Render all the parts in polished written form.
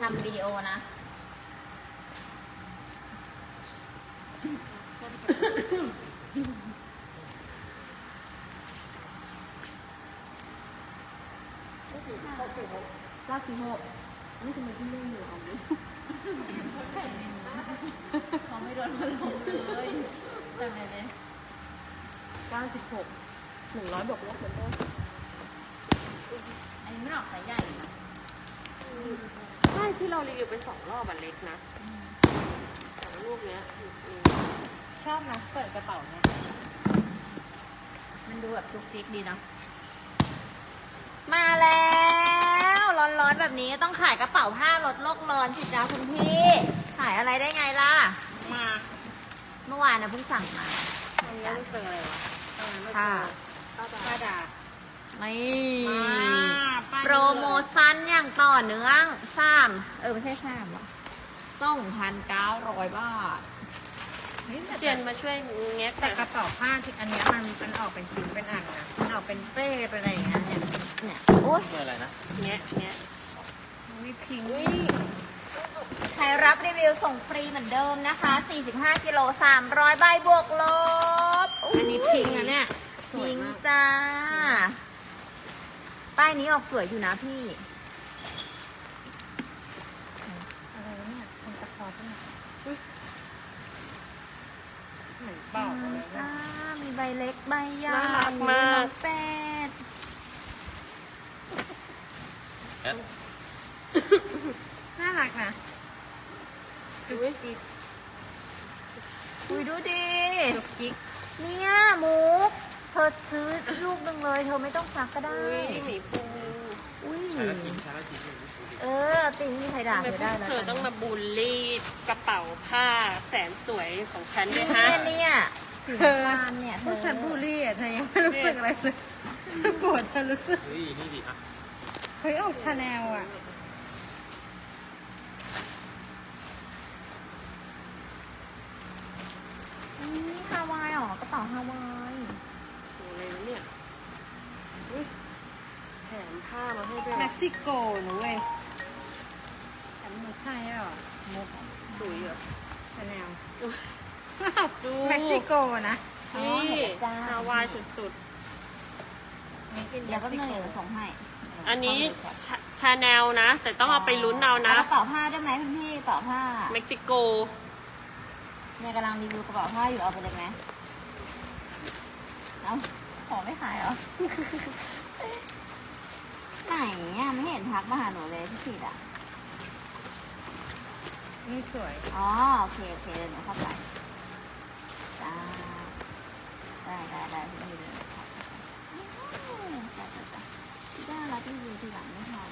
ทำวิดีโอนะลากกี่โหนี่ทำไมพี่เล่นอยู่เอาดิเขาไม่โดนมาลงเลยแต่ไหนเลย 96 100บวกลบเหมือนเดิมอันนี้ไม่ออกสายใหญ่นะใช่ที่เรารีวิวไป2 รอบอันเล็กนะแต่ว่าลูกเนี้ยชอบนะเปิดกระเป๋าเนี่ยมันดูแบบจุกจิกดีเนาะมาแล้วร้อนๆแบบนี้ต้องขายกระเป๋าผ้าลดโลกร้อนสิจ้าคุณพี่ขายอะไรได้ไงล่ะมาเมื่อวานนะเพิ่งสั่งมาวันนี้ไม่เจออะไรวะค่ะป้าดาไม่โปโปรโมชั่นอย่างต่อเนื่องไม่ใช่3หรอ2,900 บาทเจนมาช่วยแงะแต่กระเป๋าผ้าที่อันนี้มันออกเป็นชิ้นเป็นอันนะมันออกเป็นเป้เป็นอะไรอย่างเงี้ยเนี่ยโอ๊ยอะไรนะแงะมีพิงค์ใครรับรีวิวส่งฟรีเหมือนเดิมนะคะ45กิโล300ใบบวกลบอันนี้พิงค์นะเนี่ยพิงค์จ้าป้ายนี้ออกสวยอยู่นะพี่อะไรวะเนี่ยคนตะคอที่ไหนเหมือนเปล่าอะไรเนี่ยมีใบเล็กใบใหญ่น่ารักมากเป็ดน่ารักนะอุ้ยดูดิจุกจิกเนี่ยมุกเธอซื้อลูกหนึ่งเลยเธอไม่ต้องซักก็ได้หมีปูอุ้ยใช้แล้วกินติงมีใครด่าเธอได้แล้วเธอต้องมาบูลลี่กระเป๋าผ้าแสนสวยของฉันเนี่ยฮะเนี่ยสีฟ้าเนี่ยพวกฉันบูลลี่อ่ะเธอยังไม่รู้สึกอะไรเลยฉันปวดเธอรู้สึกนี่ดีอ่ะเฮ้ยออกชาแนลอ่ะนี่ฮาวายหรอกระเป๋าฮาวายโอ้เลยเนี่ยแถมผ้ามาให้ด้วยเม็กซิโกนะเว้ยแต่ไม่ใช่หรอมุกสวยเหรอชาแนลดูเม็กซิโกนะนี่ฮาวายสุดๆเดี๋ยวก็เนยส่งให้อันนี้ชาแนลนะแต่ต้องเอาไปลุ้นเอานะกระเป๋าผ้าได้ไหมพี่กระเป๋าผ้าเม็กซิโกเนี่ยกำลังรีวิวกระเป๋าผ้าอยู่เอาไปเลยไหมเอาขอไม่ขายเหรอไหนอ่ะไม่เห็นทักมาหาหนูเลยพี่ผิดอ่ะนี่สวยอ๋อโอเคเดี๋ยวหนูเข้าไปจ้าได้พี่ดีเลยจ้าได้รับรีวิวทีหลังไม่ทัน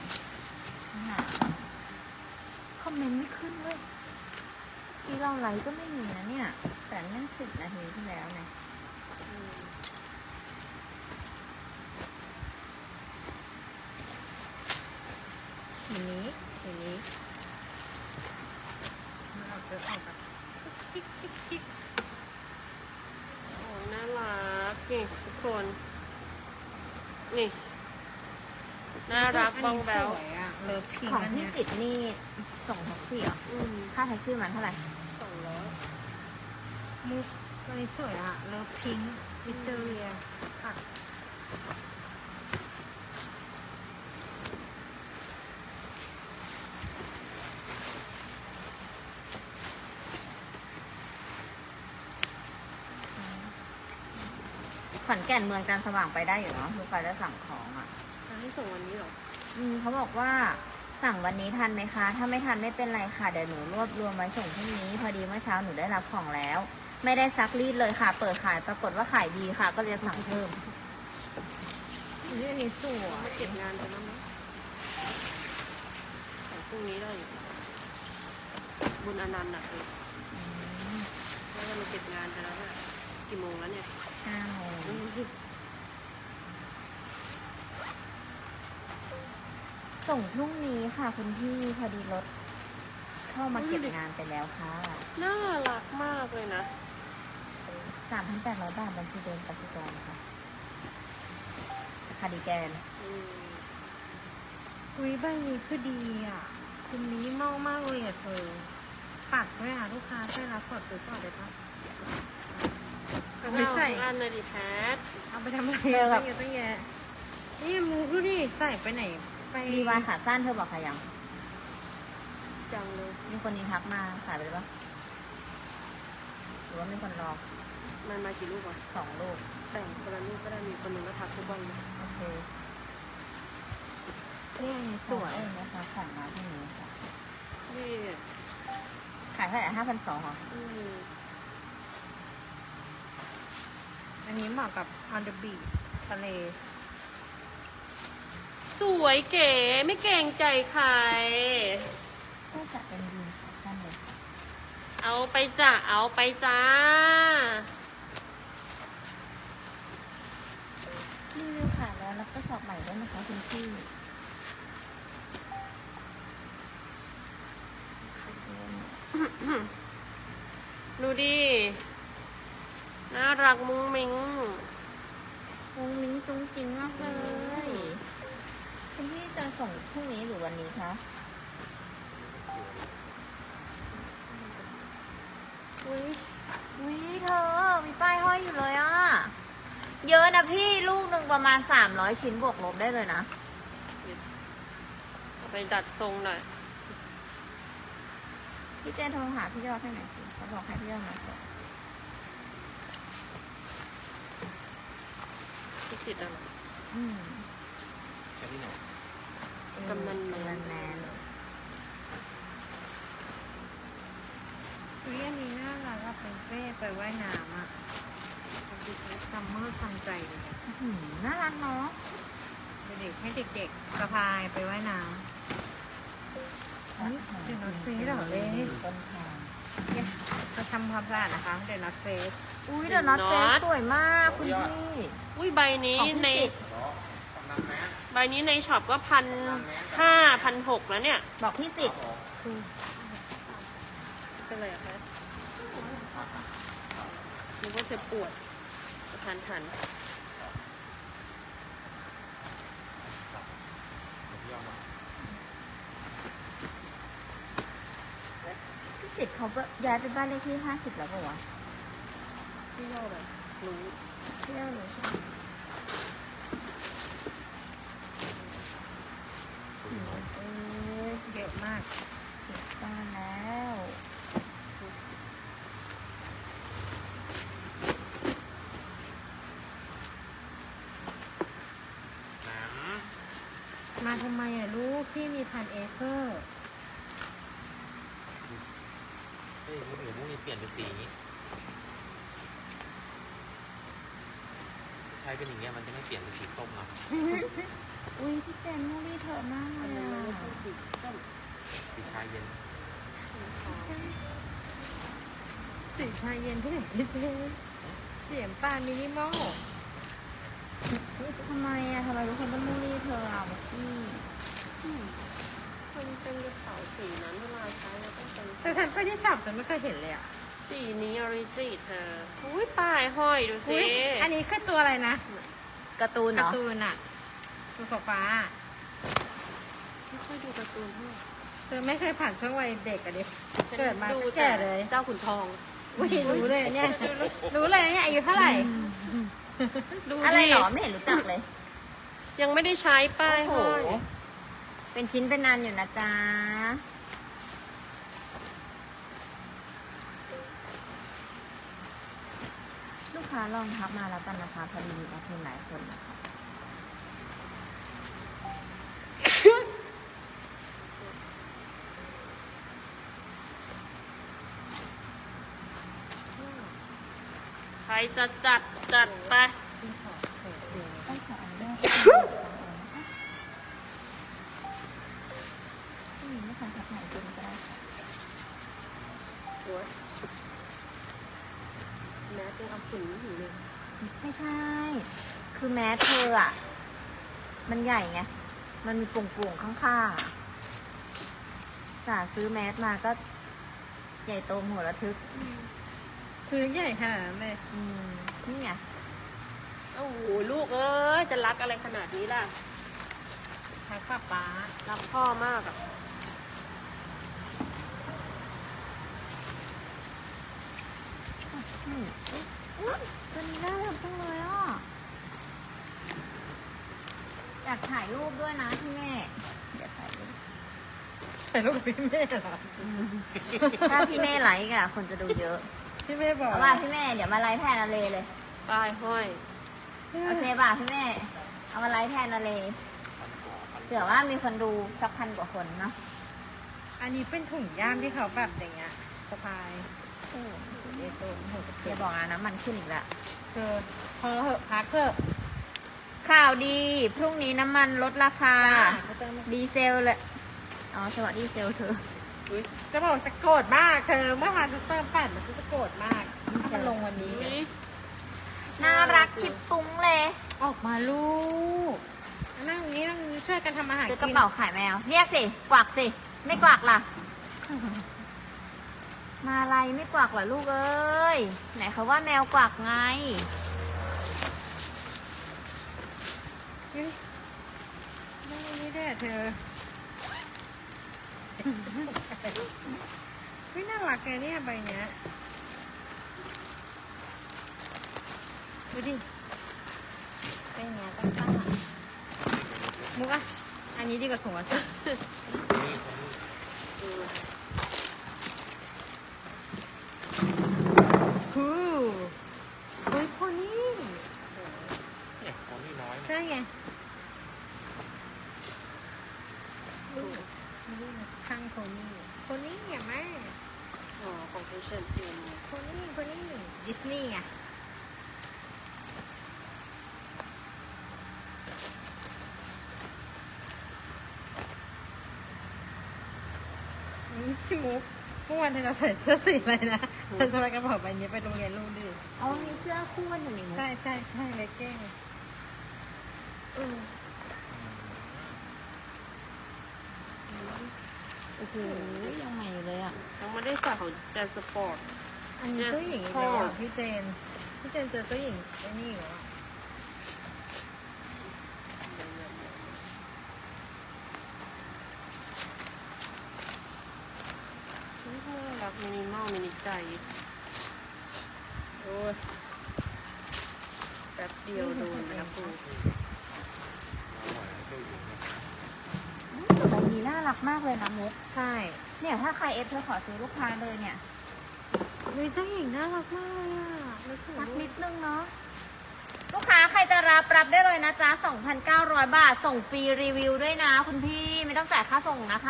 คอมเมนต์ไม่ขึ้นเลยที่เราไลฟ์ก็ไม่มีนะเนี่ยแต่นั่น10 นาทีที่แล้วไงทีนี้ออกแบบกิ๊กโอ้ยน่ารักนี่ทุกคนนี่น่ารักบ้องแบวเลิฟพิงของพี่สิทธิ์นี่ส่งแท็กซี่เหรอค่าแท็กซี่มันเท่าไหร่ 200มุกตัวนี้สวยอ่ะเลิฟพิงวิเตอเรียค่ะขอนแก่นเมืองการสว่างไปได้อยู่เนาะลูกค้าจะสั่งของอ่ะจะให้ส่งวันนี้เหรอเขาบอกว่าสั่งวันนี้ทันไหมคะถ้าไม่ทันไม่เป็นไรค่ะเดี๋ยวหนูรวบรวมไว้ส่งพรุ่งนี้พอดีเมื่อเช้าหนูได้รับของแล้วไม่ได้ซักรีดเลยค่ะเปิดขายปรากฏว่าขายดีค่ะก็เลยสั่งเพิ่มนี่นี่สวยมาเก็บงานไปแล้วมั้ยแต่พรุ่งนี้ได้อยู่บุญอนันต์น่ะแล้วเราเก็บงานไปแล้วเนี่ยกี่โมงแล้วเนี่ย 5 โมงส่งพรุ่งนี้ค่ะคุณพี่พอดีรถเข้ามาเก็บงานไปแล้วค่ะน่ารักมากเลยนะ 3,800 บาทบัญชีเดิมกสิกรค่ะคาร์ดิแกนอุ้ยใบนี้คือดีอ่ะคุณมินิมอลมากเลยอ่ะเธอปักด้วยอ่ะลูกค้าใช่รับกดซื้อก่อนได้ปะ เอาไปใส่อันเลยดิแพทเอาไปทำอะไรเออแบบตั้งเยอะนี่มูดูดิใส่ไปไหนไปรีวายขาสั้นเธอบอกใครยังจังเลยมีคนนี้ทักมาขายไปเลยปะหรือว่ามีคนรอมันมากี่ลูกอ่ะ 2 ลูกแต่งคนละลูกก็ได้มีคนหนึงก็ทักทุกวันเลยโอเคนี่อันนี้สวยเองนะคะของมาที่นี้ค่ะนี่ขายเท่าไหร่5,200เหรออืมอันนี้เหมาะกับ on the beach ทะเลสวยเก๋ไม่เกรงใจใครก็จะเป็นดีสั้นเลยเอาไปจ้ะเอาไปจ้านี่เลยค่ะแล้วรับกระสอบใหม่ด้วยนะคะคุณพี่ดูดิ น่ารักมุ้งมิ้งมุ้งมิ้งจุ้งจิ้งมากเลยคุณพี่จะส่งพรุ่งนี้หรือวันนี้คะอุ้ยวิเธอ มีป้ายห้อยอยู่เลยอ่ะ เยอะนะพี่ลูกหนึ่งประมาณ300 ชิ้นบวกลบได้เลยนะเอาไปดัดทรงหน่อยพี่เจนโทรหาพี่ยอดให้หน่อยสิเขาบอกให้พี่ยอดมาส่งที่สิทธิ์อะไรอืมกำนันแมนกำนันแมนเฮ้ยอันนี้น่ารักอะเป็นเป้ไปว่ายน้ำอะซัมเมอร์ซัมใจเลยอะอื้อหือน่ารักเนาะเด็กๆให้เด็กๆสะพายไปว่ายน้ำเดี๋ยวนัดเฟสเหรอเลยต้นทางจะทำความสะอาดนะคะเดี๋ยวนัดเฟสอุ้ยเดี๋ยวน็อตเฟสสวยมากคุณพี่อุ้ยใบนี้ของพี่ในสิทธิ์ใบนี้ในช็อปก็1,500 1,600แล้วเนี่ยบอกพี่สิทธิ์เป็นไรอะคะนึกว่าจะปวดทันพี่สิทธิ์เขาย้ายไปบ้านเลขที่50แล้วเปล่าวะพี่เล่าแบบรู้พี่ยอดรู้ใช่ไหมเเยอะมากปิดบ้านแล้วมาทำไมอะลูกพี่มี1,000 เอเคอร์เฮ้ยมุ้งหรือมุ้งนี่เปลี่ยนเป็นสีนี้ใช้เป็นอย่างเงี้ยมันจะไม่เปลี่ยนเป็นสีส้มเนาะอุ้ยพี่เจนมูรี่เธอมากเลอันยนั้นอะไม่ใช่สีส้มสีชาเย็นสีชาเย็นที่ไหนพี่เจเสียงปานมินิมอลทำไมอะทำไมทุกคนต้องมูรี่เธออะพี่มันเป็นกระเป๋าสีนั้นเวลาใช้เราต้องเป็นแต่ฉันไปที่ช็อปแต่ไม่เคยเห็นเลยอ่ะสีนี้ออริจิเธอ อุ้ยป้ายห้อยดูสิอุ๊ยอันนี้คือตัวอะไรนะการ์ตูนกาเนาะร์ตูนอะตัวโซฟาไม่ค่อยดูการ์ตูนเท่าไหร่เธอไม่เคยผ่านช่วงวัยเด็กอะดิฉันเกิดมาดูก็แก่เลยเจ้าขุนทองอุ้ยรู้เลยเนี่ย รู้เลยเนี่ยอายุเท่าไหร่ดูอะไรดิหรอไม่เห็นรู้จักเลยยังไม่ได้ใช้ป้ายโอ้โหห้อยเป็นชิ้นเป็นนันอยู่นะจ๊ะลูกค้าลองทักมาแล้วกันนะคะพอดีมีแอดมินหลายคนนะคะใครจะจัดจัดไปต้องขออนุญาตไม่ทันทักไหนจริงก็ได้ค่ะโอ้ยแม้เป็นเอาฝุ่นอยู่เลยไม่ใช่ คือแมสเธออะมันใหญ่ไง มันมีปุ่งๆข้างๆอะสาซื้อแมสมาก็ใหญ่โตหัวระทึกซื้อใหญ่ขนาดนั้นเลยนี่ไงโอ้โหลูกเอ้ยจะรักอะไรขนาดนี้ล่ะทักป้าป๊ารักพ่อมากอ่ะากถ่ายรูปด้วยนะพี่แม่เดี๋ยวถ่ายรูปถ่ายรูปกับพี่เมย์เหรอถ้าพี่แม่ไลค์อะคนจะดูเยอะพี่เมย์บอกเอาว่าพี่แม่เดี๋ยวมาไลค์แทนอาเลเลยป้ายห้อยโอเคป่ะพี่แม่ เอามาไลฟ์แทนอาเลเผื่อว่ามีคนดูสัก1,000 กว่าคนเนาะอันนี้เป็นถุงย่ามที่เขาแบบอย่างเงี้ยสะพายเอโซนหัวกระเทีเดี๋ยยมวบอกนะน้ำมันขึ้นอีกแล้วเธอพอเหอะพักเถอะข่าวดี พรุ่งนี้น้ำมันลดราคาเขาเติมดีเซลเลย อ๋อสวัสดีเซลเธอจะบอกจะโกรธมากเธอเมื่อวานจะเติม8มันจะโกรธมากถ้ามันลงวันนี้อุ๊ยน่ารักชิบปุ้งเลยออกมาลูกนั่งนี้นั่งช่วยกันทำอาหารซื้อกระกินเป๋าขายแมว เรียกสิ กวักสิ ไม่กวักล่ะ มาอะไรไม่กวักเหรอลูกเอ้ย ไหนเขาว่าแมวกวักไงนี่ได้เธอไม่น่ารักแกเนี่ยใบเนี้ยดูดิเป็นเนี้ยตั้งๆอ่ะมุกอ่ะอันนี้ดีกว่าถุงอ่ะสิ สกูเฮ้ยคนนี้เนี่ยของนี่น้อยเนี่ยใช่ไงข้างคนนี้คนนี้ไงแม่อ๋อของเชนเอ็มคนนี้ดิสนีย์ไงพี่มุกเมื่อวานเธอจะใส่เสื้อสีอะไรนะเธอสบายกระเป๋าใบนี้ไปโรงเรียนลูกดิอ๋อมีเสื้อคู่กันอยู่นี่มุกใช่เลกเก้งโอ้โหยังใหม่อยู่เลยอ่ะยังไม่ได้ใส่ของเจนสปอร์ตอันนี้เจ้าหญิงอีกแล้วอ่ะพี่เจนเจอเจ้าหญิงไอ้นี่อยู่อ่ะรักมินิมอลมินิใจ โอ้ยแป๊บเดียวโดนนะคุณแต่ใบนี้น่ารักมากเลยนะมุกใช่เนี่ยถ้าใครเอฟเธอขอซื้อลูกค้าเลยเนี่ยเฮ้ยเจ้าหญิงน่ารักมากเลยอ่ะนึกถึงสักลูนิกดนึงเนาะลูกค้าใครจะรับได้เลยนะจ๊ะ 2,900 บาท ส่งฟรีรีวิวด้วยนะ คุณพี่ไม่ต้องจ่ายค่าส่งนะคะ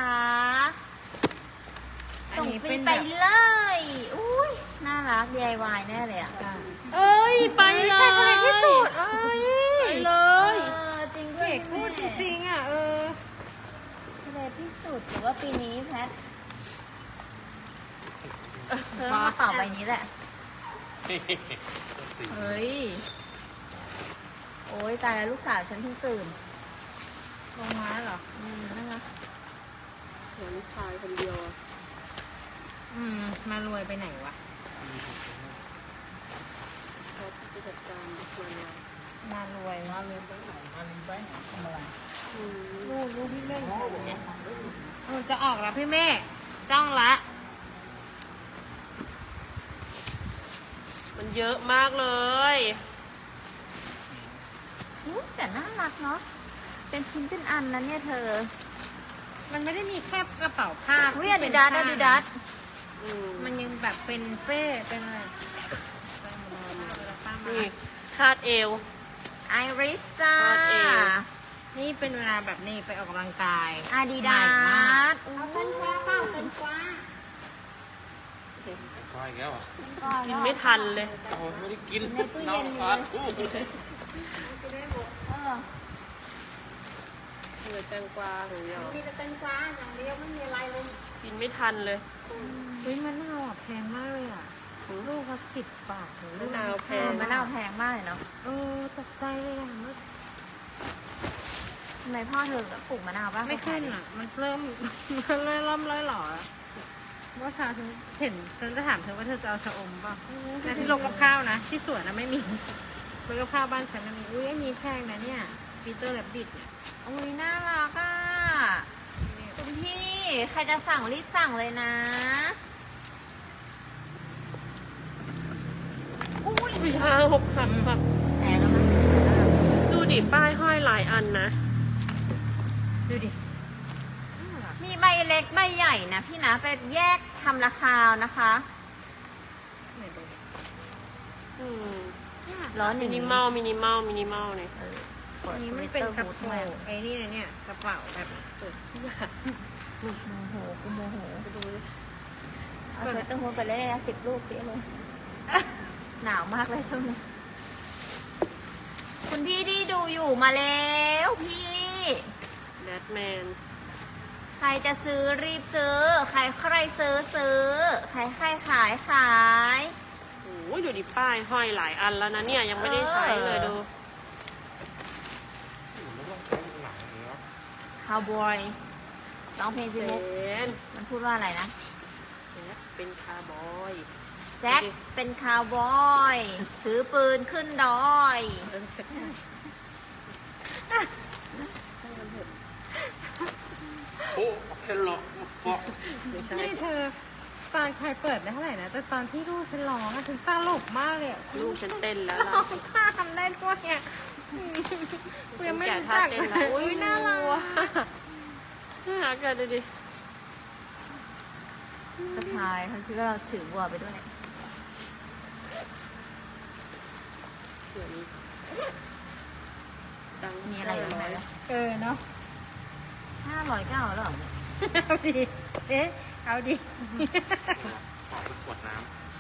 อันส่งนี้ฟรีเป็นไปแบบเลยอุ้ยน่ารัก DIY แน่เลยอ่ะเอ้ย ไปเลยใช่คนที่สุดเอ้ยไปเลยจริงด้วยเด็กพูดจริงๆอ่ะทะเลที่สุดหรือว่าปีนี้แพทเธอต้องมาเป่าใบนี้แหละต้นสีเฮ้ย โอ้ยตายแล้วลูกสาวฉันเพิ่งตื่นลงมาเหรอน่ารักเหมือนชายคนเดียวอะมารวยไปไหนวะแพทไปจัดการมันเลยมารวยลูกพี่เล่นจะออกแล้วพี่เมฆจ้องละมันเยอะมากเลยแต่น่ารักเนาะ เป็นชิ้นเป็นอันนะเนี่ยเธอมันไม่ได้มีแค่กระเป๋าผ้าอุ้ยอาดิดาสอาดิดาสมันยังแบบเป็นเป้เป็นอะไรนี่คาดเอวไอริสจ้าคาดเอวนี่เป็นเวลาแบบนี้ไปออกกำลังกายอาดิดาใหม่มากสเอาเต้นกว้าเปล่าเต้นกว้าก้อยอีกแล้วเหรอ่ะกินไม่ทันเลยเราไม่ได้กินในตู้เย็นอยู่ทานเลย เออเหลือแตงกวาหรือยอมีแต่เต้นกว้าอย่างเดียวไม่มีอะไรเลยกินไม่ทันเลยเฮ้ยมะนาวอ่ะแพงมากเลยอ่ะลูกละ10 บาทเลยมะนาวแพงมะนาวแพงมากเลยเนาะตกใจเลยอ่ะทำไมพ่อเธอปลูกมะนาวบ้างไม่ขึ้นอ่ะ มันเริ่ม มันเริ่มหล่ออะว่าทาฉันเห็นฉันจะถามเธอว่าเธอจะเอาชะอมป่ะแต่ที่ลงกับข้าวนะ ที่สวนนะไม่มีลงกับข้าวบ้านฉันนะมีอุ้ยอันนี้แพงนะเนี่ยปีเตอร์แลบบิดเนี่ยอุ้ยน่ารักอ่ะ คุณพี่ ใครจะสั่งรีบสั่งเลยนะ อุ้ย 5-6 พันแบบแพงแล้วมั้งดูดิป้ายห้อยหลายอันนะดูดิน่ารักมีใบเล็กใบใหญ่นะพี่นะไปแยกทำราคานะคะไหนดูอืมร้อนอมิย่างนินี้มอลมินิมอลมินิมอลเนี่ยอันนี้มันเป็นกระโปรงไอ้นี่นะเนี่ยกระเป๋าแบบเปิดทุกอย่างโมโหกูโมโหไปดูดิเอาสเวตเตอร์ฮูดไปเลยนะ10 ลูกสิเลย หนาวมากเลยช่วงนี้ คุณพี่ที่ดูอยู่มาแล้วพี่แบทแมนใครจะซื้อรีบซื้อ ใครซื้อซื้อ ใครขายขายโอ้ยดูดิป้ายห้อยหลายอันแล้วนะเนี่ยยังไม่ได้ใช้เลยดูไม่ต้องใช้หนังอย่างนี้วะคาวบอยร้องเพลงเจสิมุกนมันพูดว่าอะไรนะแจ็คเป็นคาร์บอยแจ็คเป็นคาวบอย ถือปืนขึ้นดอยเออโอ้แค่หลอกฟอกไม่ใช่นี่เธอตอนใครเปิดได้เท่าไหร่นะแต่ตอนที่ลูกฉันร้องอะฉันตลกมากเลยอะลูกฉันเต้นแล้วร้ล่ะองท่าทำได้ด้วยเนี่ยกูยังไม่แกะรู้ท่าจักเต้นเลแล้วยอุ้ยน่ารักน่ารักกันดูดิสะพายเขาคิดว่าเราถือบัวไปด้วยเดี๋ยวนี้ดังมีอะไรอยู่ไหมเออเนาะ 509แล้วเหรอเอาดิเอ๊ะเอาดิขอไปขวดน้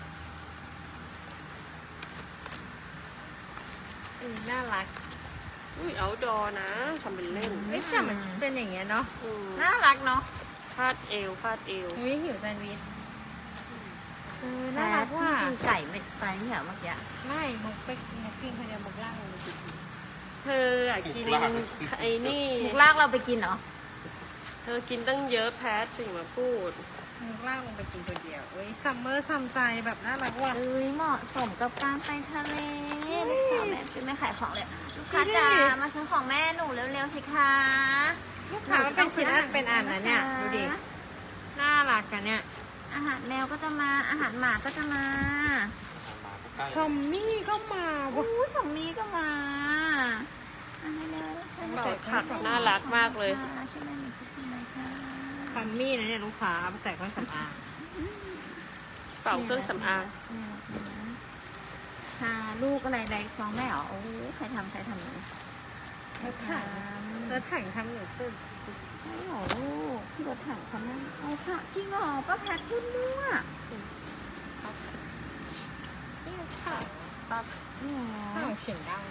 น่ารักอุ้ยเอาดอนะทำเป็นเล่นเอ้ยแต่มันเป็นอย่างเงี้ยเนาะอืมน่ารักเนาะคาดเอวคาดเอวอุ้ยหิวแซนด์วิชเออน่าน่ารัรักกว่าว่ะกินไก่ไม่ไปไม่เหรอเมื่อกี้ไม่มุกไปมุกกินคนเดียวมุกล่างลงไปกินเธออะกินไอ้นี่มุกลากเราไปกินเหรอเธอกินตั้งเยอะแพทถึงมาพูดมุกล่างลงไปกินคนเดียวเอ้ยซัมเมอร์ซัมใจแบบน่ารักว่ะเอ้ยเหมาะสมกับการไปทะเลลูกสาวแม่เป็นไม่ขายของเลยลูกค้าจ๋ามาซื้อของแม่หนูเร็วๆสิคะลูกค้ามันเป็นชิ้นอันเป็นอันนะเนี่ยดูดิน่ารักกันเนี่ยอาหารแมวก็จะมาอาหารหมาก็จะมาำมาใกล้ทอมมี่ก็มาว่ะอู้ของมีก็มาอันนี้เลยเป่าผักน่ารักมากเลยใช่ไหมมีคุกกี้ไหมคะทอมมี่นะเนี่ยลูกค้าเอาไปใส่เครื่องสำอางเป่าเครื่องสำอางค่ะลูกอะไรใดฟ้องแม่เหรอโอ้ใครทำเลยรถถังรถถังทำหนูตื่นใช่เหรอลูกที่รถถังเขานั่งเอาค่ะจริงเหรอป้าแพทพูดมั่วค่ะปั๊บอ๋อข้าวเสียงดัง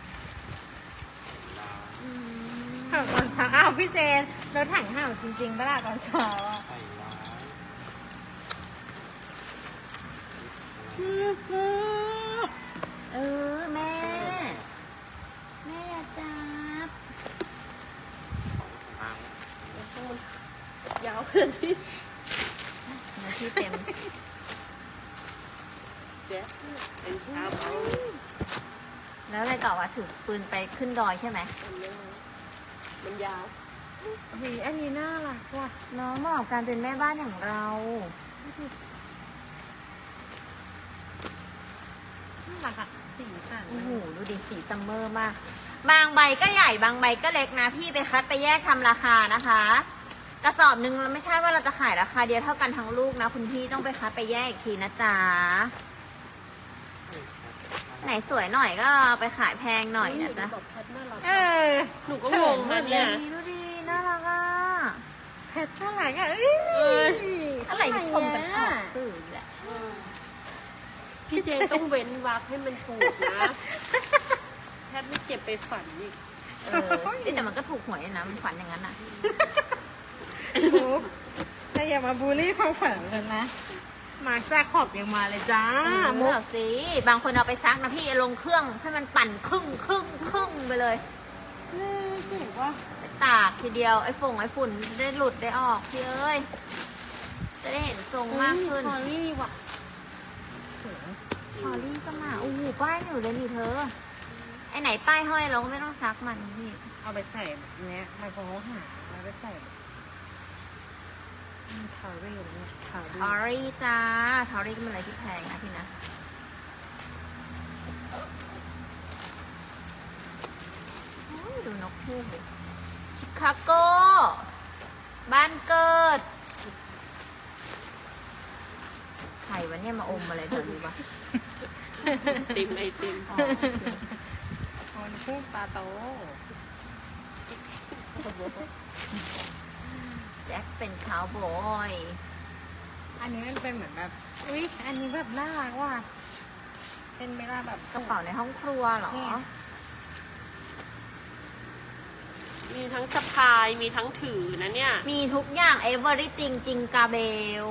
อืมเห่าตอนเช้าอ้าวพี่เจนรถถังเห่าจริงๆปะล่ะตอนเช้าอ่ะใส่ร้ายเออแม่ แม่อย่าจับอ้างยาวขึ้นที่เนื้อที่เต็มแจ๊คเป็นคาร์บอยแล้วอะไรต่อวะถือปืนไปขึ้นดอยใช่ไหมมันยาวเฮ้ยอันนี้น่ารักว่ะน้องบอกการเป็นแม่บ้านอย่างเราน่ารักอ่ะสีสันโอ้โหดูดิสีซัมเมอร์มาก บางใบก็ใหญ่บางใบก็เล็กนะ พี่ไปคัดไปแยกทำราคานะคะ กระสอบหนึ่งเราไม่ใช่ว่าเราจะขายราคาเดียวเท่ากันทั้งลูกนะ คุณพี่ต้องไปคัดไปแยกอีกทีนะจ๊ะไหนสวยหน่อยก็ไปขายแพงหน่อยนะจ๊ะบอกแพทน่ารักเออหนูก็งงนะเนี่ยดูดิน่ารักอ่ะเพชรน่ารักอ่ะเอ้ยอะไรที่ชมกันออกสื่อแหละพี่เจนต้องเว้นวรรคให้มันถูกนะ แพทไม่เก็บไปฝันอีกเออแต่มันก็ถูกหวยนะมันฝันอย่างนั้นอ่ะมุกแต่อย่ามาบูลลี่ความฝันกันนะมาร์คแจ็คขอบยังมาเลยจ้ามุกสิบางคนเอาไปซักนะพี่ลงเครื่องให้มันปั่นครึ่งไปเลยเก่งว่าไปตากทีเดียวไอ้ฝุ่นจะได้หลุดได้ออกพี่เอ้ยจะได้เห็นทรงมากขึ้นคอรี่ว่ะพอลี่ก็มาอู้หูป้ายหนูเลยนี่เธอ ไอ้ไหนป้ายห้อยเราก็ไม่ต้องซักมันพี่เอาไปใส่แบบเนี้ยไมโครหาแล้วไปใส่คอรี่เนี่ยคอทรี่อรี่จ้าทอรี่ก็เป็นอะไรที่แพงนะพี่นะโอ้ยดูนกคู่ดิชิคาโก บ้านเกิดใครวะเนี่ยมาอมอะไรแถวนี้วะติมไอติมอ๋อคนพูดตาโตแจ็คเป็นคาวบอยอันนี้มันเป็นเหมือนแบบ อุ๊ย อันนี้แบบน่ารักว่ะ เป็นเวลาแบบกระเป๋าในห้องครัวเหรอเนี่ยมีทั้งสะพาย มีทั้งถือนะเนี่ยมีทุกอย่าง everything จริงกาเบล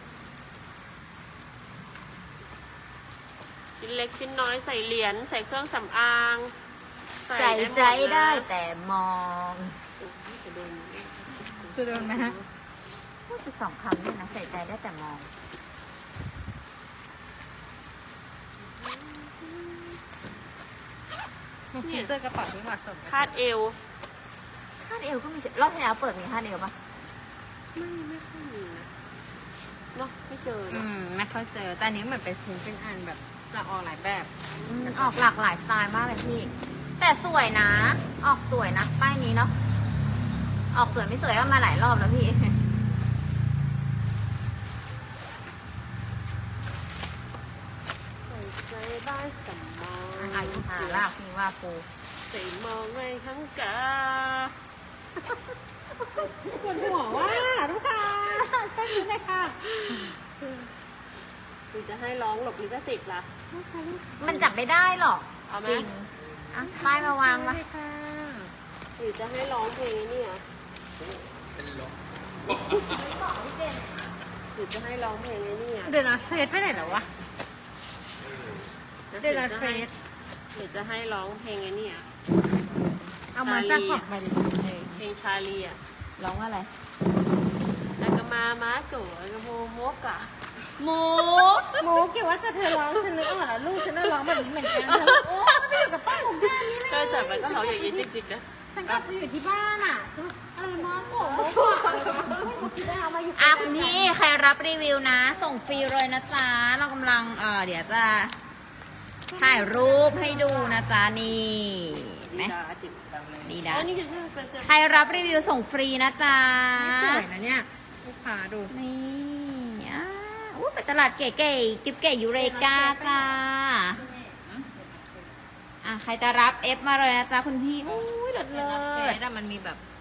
ชิ้นเล็กชิ้นน้อยใส่เหรียญใส่เครื่องสำอางใส่ใจหมนะได้แต่มองโอ้ยจะโดนจะโดนไหมฮะพูดไปสองคำด้วยนะ ใส่ใจได้แต่มองเจอกระเป๋าที่เหมาะสมคาดเอวคาดเอวก็มีรอบที่แล้วเปิดมีคาดเอวปะไม่ค่อยมีนะเนาะไม่เจออืเนอะม ไม่ค่อยเจอ แต่อันนี้เหมือนเป็นชิ้นเป็นอันแบบละออหลายแบบออกหลากหลายสไตล์มากเลยพี่ แต่สวยนะ ออกสวยนะ ป้ายนี้เนาะ ออกสวยไม่สวยก็มาหลายรอบแล้วพี่ใส่ใจได้สมองอายุหาลากพี่ว่าปูใส่มองไว้ทั้งกาปวดหัวว่าลูกค้าช่วยดูหน่อยค่ะหรือจะให้ร้องหลบลิขสิทธิ์ล่ะมันจับไม่ได้หรอกเอาไหมจริงอ่ะป้ายมาวางมาช่วยค่ะหรือจะให้ร้องเพลงนี้อ่ะเป็นลมหรือจะให้ร้องเพลงนี้อ่ะเดี๋ยวนะเฟซไปไหนแล้ววะ เดี๋ยวนะเฟซหรือจะให้ร้องเพลงนี้อ่ะเอามาจากของไปดิเพลงชาลีอ่ะร้องว่าอะไรแล้วก็มาโกะแล้วก็โมโมกอะหมูหมูเกี่ยวว่าจะเธอร้องฉันนึกออกแล้วลูกฉันน่ะร้องแบบนี้เหมือนกันเธอโอ้ไม่อยู่กับป้าผมแค่นี้เลยก็แต่มันก็ร้องอย่างนี้จริงๆนะฉันกลับไปอยู่ที่บ้านอ่ะฉันอะไรมาโกะโมกะอะไรวะได้เอามาอยู่อ่ะคุณพี่ใครรับรีวิวนะ ส่งฟรีเลยนะจ๊ะ เรากำลังเดี๋ยวจะถ่ายรูปให้ดูนะจ๊ะนี่เห็นไหมดาจิ๋วดีอ๋นะอนี่คือเป็นใครรับรีวิวส่งฟรีนะจ๊ะสวยนะเนี่ยลูกค้าดูนี่อู้ไปตลาดเก๋ๆกิ๊บเก๋ยูเรกาจ้า ใครจะรับเอฟมาเลยนะจ๊ะคุณพี่อู้ยเลิศเฟเลิศซอะมันมีแบบ